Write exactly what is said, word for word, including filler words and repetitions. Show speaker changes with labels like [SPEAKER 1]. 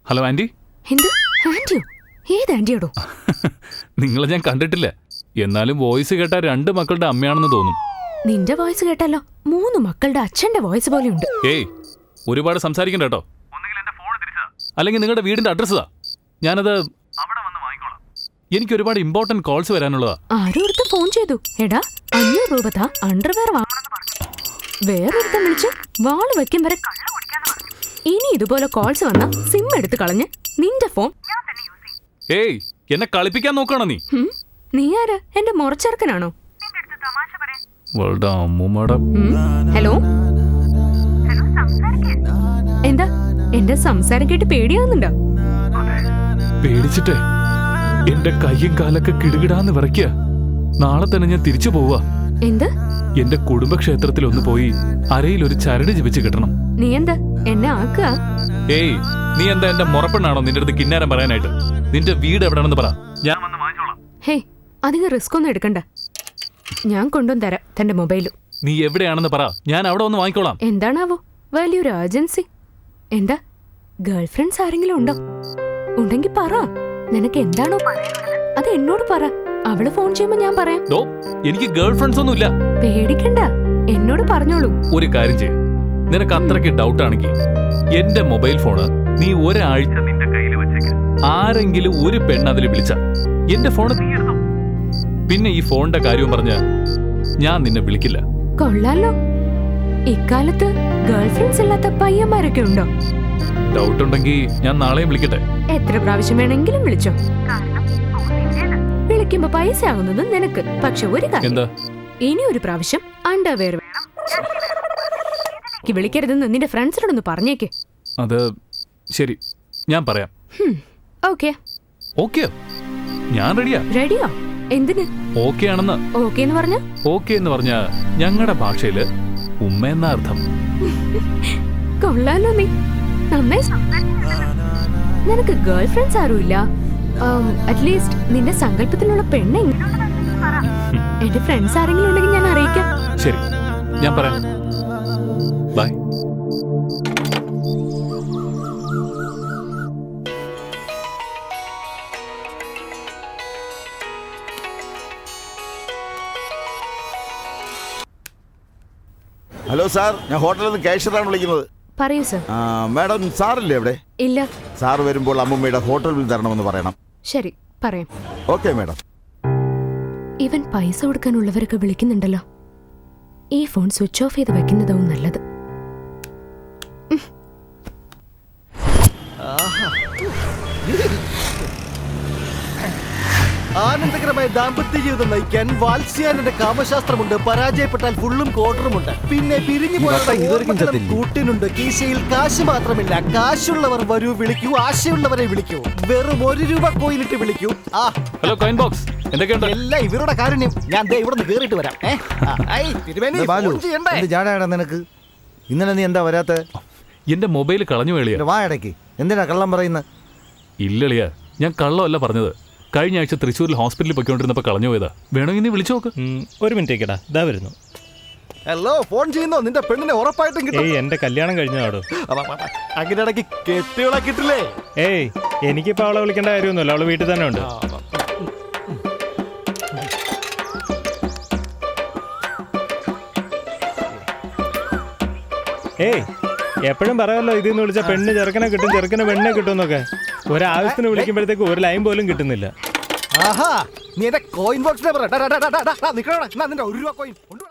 [SPEAKER 1] Hello aunty.
[SPEAKER 2] എന്ത് ആന്റിയോ? ഏത് ആന്റിയോടോ?
[SPEAKER 1] നിങ്ങളെ ഞാൻ കണ്ടിട്ടില്ല, എന്നാലും വോയിസ് കേട്ടാ രണ്ട് മക്കളുടെ അമ്മയാണെന്ന് തോന്നും.
[SPEAKER 2] നിന്റെ വോയിസ് കേട്ടാലോ മൂന്ന് മക്കളുടെ അച്ഛന്റെ വോയിസ് പോലെയുണ്ട്.
[SPEAKER 1] ഏയ്, ഒരുപാട് സംസാരിക്കണ്ട കേട്ടോ. അല്ലെങ്കിൽ നിങ്ങളുടെ വീടിന്റെ അഡ്രസ് താ, ഞാനത് എനിക്ക് ഒരുപാട് ഇമ്പോർട്ടന്റ് കോൾസ് വരാനുള്ളതാ.
[SPEAKER 2] ആരോടുത്ത് ഫോൺ ചെയ്തു? എടാ അഞ്ഞൂറ് രൂപ താ, അണ്ടർവെയർ വാങ്ങണമെന്ന് പറഞ്ഞു. വേറൊരുത്തം വിളിച്ച് വാള് വെക്കും വരെ. ഇനി ഇതുപോലെ കോൾസ് വന്ന സിം എടുത്ത് കളഞ്ഞ് നിന്റെ ഫോൺ.
[SPEAKER 1] ഏയ്, എന്നെ കളിപ്പിക്കാൻ നോക്കണോ നീ?
[SPEAKER 2] നീ ആര്? എന്റെ മുറച്ചെറുക്കനാണോ? ഹലോ, എന്താ എന്റെ സംസാരം കേട്ട് പേടിയാവുന്നുണ്ടോ?
[SPEAKER 1] പേടിച്ചിട്ടേ എന്റെ കയ്യും കാലൊക്കെ കിടുകിടാന്ന് വിറയ്ക്കുക. നാളെ തന്നെ ഞാൻ തിരിച്ചു പോവാ.
[SPEAKER 2] എന്ത്?
[SPEAKER 1] എന്റെ കുടുംബക്ഷേത്രത്തിൽ ഒന്ന് പോയി അരയിൽ ഒരു ചരട് ജപിച്ച് കിട്ടണം.
[SPEAKER 2] നീ എന്താ എന്നെ ആക്കുക?
[SPEAKER 1] ഏയ്, നീ എന്താ എന്റെ മുറപ്പെണ്ണാണോ നിന്റെ അടുത്ത് കിന്നാരം പറയാനായിട്ട്? നിന്റെ വീട് എവിടെയാണെന്ന് പറ, ഞാൻ വന്ന് വാങ്ങിച്ചോളാം.
[SPEAKER 2] ഹേയ്, അധികം റിസ്ക് ഒന്നും എടുക്കണ്ട, ഞാൻ കൊണ്ടുവന്ന് തരാം തന്റെ മൊബൈലും.
[SPEAKER 1] നീ എവിടെയാണെന്ന് പറ, ഞാൻ അവിടെ വന്ന് വാങ്ങിക്കോളാം.
[SPEAKER 2] എന്താണാവോ വലിയൊരു ഏജൻസി? എന്താ ഗേൾ ഫ്രണ്ട്സ് ആരെങ്കിലും ഉണ്ടോ? ഉണ്ടെങ്കിൽ പറ, നിനക്ക് എന്താണോ അത് എന്നോട് പറ. അവള് ഫോൺ ചെയ്യുമ്പോ ഞാൻ പറയാം.
[SPEAKER 1] എനിക്ക് ഗേൾ ഫ്രണ്ട്സ് ഒന്നും ഇല്ല.
[SPEAKER 2] പേടിക്കണ്ട, എന്നോട് പറഞ്ഞോളൂ.
[SPEAKER 1] ഒരു കാര്യം ചെയ്യ, നിനക്ക് അത്രയ്ക്ക് ഡൗട്ട് ആണെങ്കിൽ എന്റെ മൊബൈൽ ഫോണ് നീ ഒരാഴ്ച നിന്റെ കയ്യിൽ വെച്ചേക്ക്. ആരെങ്കിലും ഒരു പെണ്ണ് അതിൽ വിളിച്ച എന്റെ ഫോണ് നീ എടുത്തു. പിന്നെ ഈ ഫോണിന്റെ കാര്യവും പറഞ്ഞ ഞാൻ നിന്നെ വിളിക്കില്ല.
[SPEAKER 2] കൊള്ളാലോ, ഇക്കാലത്ത് ഗേൾ ഫ്രണ്ട്സ് ഇല്ലാത്ത പയ്യന്മാരൊക്കെ ഉണ്ടോ?
[SPEAKER 1] ഡൗട്ട് ഉണ്ടെങ്കിൽ ഞാൻ നാളെയും വിളിക്കട്ടെ.
[SPEAKER 2] എത്ര പ്രാവശ്യം വേണമെങ്കിലും വിളിച്ചോ. വിളിക്കുമ്പോ പൈസ ആകുന്നത് നിനക്ക്. പക്ഷെ ഒരു കാര്യം, ഇനി ഒരു പ്രാവശ്യം അണ്ടർവെയർ വേണം വിളിക്കരുതെന്ന് നിന്റെ ഫ്രണ്ട്സിനോടൊന്ന് പറഞ്ഞേക്ക്.
[SPEAKER 1] അത് ശരി, ഞാൻ പറയാം.
[SPEAKER 2] ഓക്കെ
[SPEAKER 1] ഓക്കെ, ഞാൻ റെഡിയാ.
[SPEAKER 2] റെഡിയോ? എന്തിന്
[SPEAKER 1] ഓക്കെ ആണെന്ന്?
[SPEAKER 2] ഓക്കെ എന്ന് പറഞ്ഞ
[SPEAKER 1] ഓക്കെ എന്ന് പറഞ്ഞ ഞങ്ങളുടെ ഭാഷയില് ഉമ്മ എന്ന അർത്ഥം.
[SPEAKER 2] കൊള്ളാലോ, നീ നന്നായി. നിനക്ക് ഗേൾ ഫ്രണ്ട്സ് ആരും ഇല്ല? അറ്റ്ലീസ്റ്റ് നിന്റെ സങ്കല്പത്തിലുള്ള പെണ്ണെ എന്റെ ഫ്രണ്ട്സ് ആരെങ്കിലും ഉണ്ടെങ്കിൽ ഞാൻ അറിയിക്കാം.
[SPEAKER 1] ശരി, ഞാൻ പറയാം. ബൈ.
[SPEAKER 3] ഹലോ സാർ, ഞാൻ ഹോട്ടലിൽ നിന്ന് കാഷ്യറാണ് വിളിക്കുന്നത്.
[SPEAKER 2] പറയൂ സർ.
[SPEAKER 3] മാഡം, സാറില്ലേ അവിടെ?
[SPEAKER 2] ഇല്ല.
[SPEAKER 3] സാർ വരുമ്പോൾ അമ്മൂമ്മയുടെ ഹോട്ടൽ ബിൽ തരണമെന്ന് പറയണം.
[SPEAKER 2] ശരി, പറയാം.
[SPEAKER 3] Okay madam.
[SPEAKER 2] ഇവൻ പൈസ കൊടുക്കാനുള്ളവരൊക്കെ വിളിക്കുന്നുണ്ടല്ലോ. ഈ ഫോൺ സ്വിച്ച് ഓഫ് ചെയ്ത് വെക്കുന്നതാവും നല്ലത്.
[SPEAKER 4] ആനന്ദകരമായ ദാമ്പത്യ ജീവിതം നയിക്കാൻ വാത്സ്യാനന്റെ കാമശാസ്ത്രമുണ്ട്. പരാജയപ്പെട്ടാൽ ഫുള്ളും കോട്ടറുമുണ്ട്. പിന്നെ പിരിഞ്ഞു പോയ കൂട്ടിനുണ്ട്. കീശയിൽ കാശ് മാത്രമില്ല. കാശുള്ളവർ വരൂ, വിളിക്കൂ. ആശയുള്ളവരെ വിളിക്കൂ. വെറും ഒരു രൂപ കോയിനിട്ട് വിളിക്കൂ. ആ
[SPEAKER 1] ഹലോ കോയിൻ ബോക്സ്, എന്തൊക്കെയുണ്ട്?
[SPEAKER 4] എല്ലാം ഇവരുടെ കാരുണ്യം. ഞാൻ ദേ ഇവിടെ നിന്ന് കേറിയിട്ട് വരാം.
[SPEAKER 5] നിനക്ക് ഇന്നലെ നീ എന്താ വരാത്ത?
[SPEAKER 1] എന്റെ മൊബൈൽ കളഞ്ഞു വേളിയാ.
[SPEAKER 5] വാ ഇടയ്ക്ക് എന്തിനാ കള്ളം പറയുന്നത്?
[SPEAKER 1] ഇല്ലളിയാ, ഞാൻ കള്ളമല്ല പറഞ്ഞത്. കഴിഞ്ഞ ആഴ്ച തൃശ്ശൂരിൽ ഹോസ്പിറ്റലിൽ പൊയ്ക്കൊണ്ടിരുന്നപ്പോ കളഞ്ഞു പോയതാ. വേണമെങ്കിൽ നീ വിളിച്ചു നോക്ക്.
[SPEAKER 6] ഒരു മിനിറ്റേക്കടാ, ഇതാ വരുന്നു.
[SPEAKER 4] ഹലോ, ഫോൺ ചെയ്യുന്നോ? നിന്റെ പെണ്ണിനെ ഉറപ്പായിട്ടും കിട്ടും.
[SPEAKER 6] ഏയ്, എന്റെ കല്യാണം കഴിഞ്ഞാടോ.
[SPEAKER 4] അങ്ങനെ ഇടയ്ക്ക് കെട്ടിയോളെ കിട്ടില്ലേ?
[SPEAKER 6] ഏയ്, എനിക്കിപ്പോ അവളെ വിളിക്കേണ്ട കാര്യമൊന്നുമില്ല, അവള് വീട്ടിൽ തന്നെ ഉണ്ട്. ഏയ്, എപ്പോഴും പറയാമല്ലോ ഇതിന്ന് വിളിച്ച പെണ്ണ് ചെറുക്കനെ കിട്ടും, ചെറുക്കനെ പെണ്ണെ കിട്ടും എന്നൊക്കെ. ഒരാവശ്യത്തിന് വിളിക്കുമ്പോഴത്തേക്ക് ഒരു ലൈൻ പോലും കിട്ടുന്നില്ല.
[SPEAKER 4] ആഹാ, നീ എന്റെ കോയിൻ ബോക്സിനെ പറ. നിന്റെ ഒരു രൂപ കോയിൻ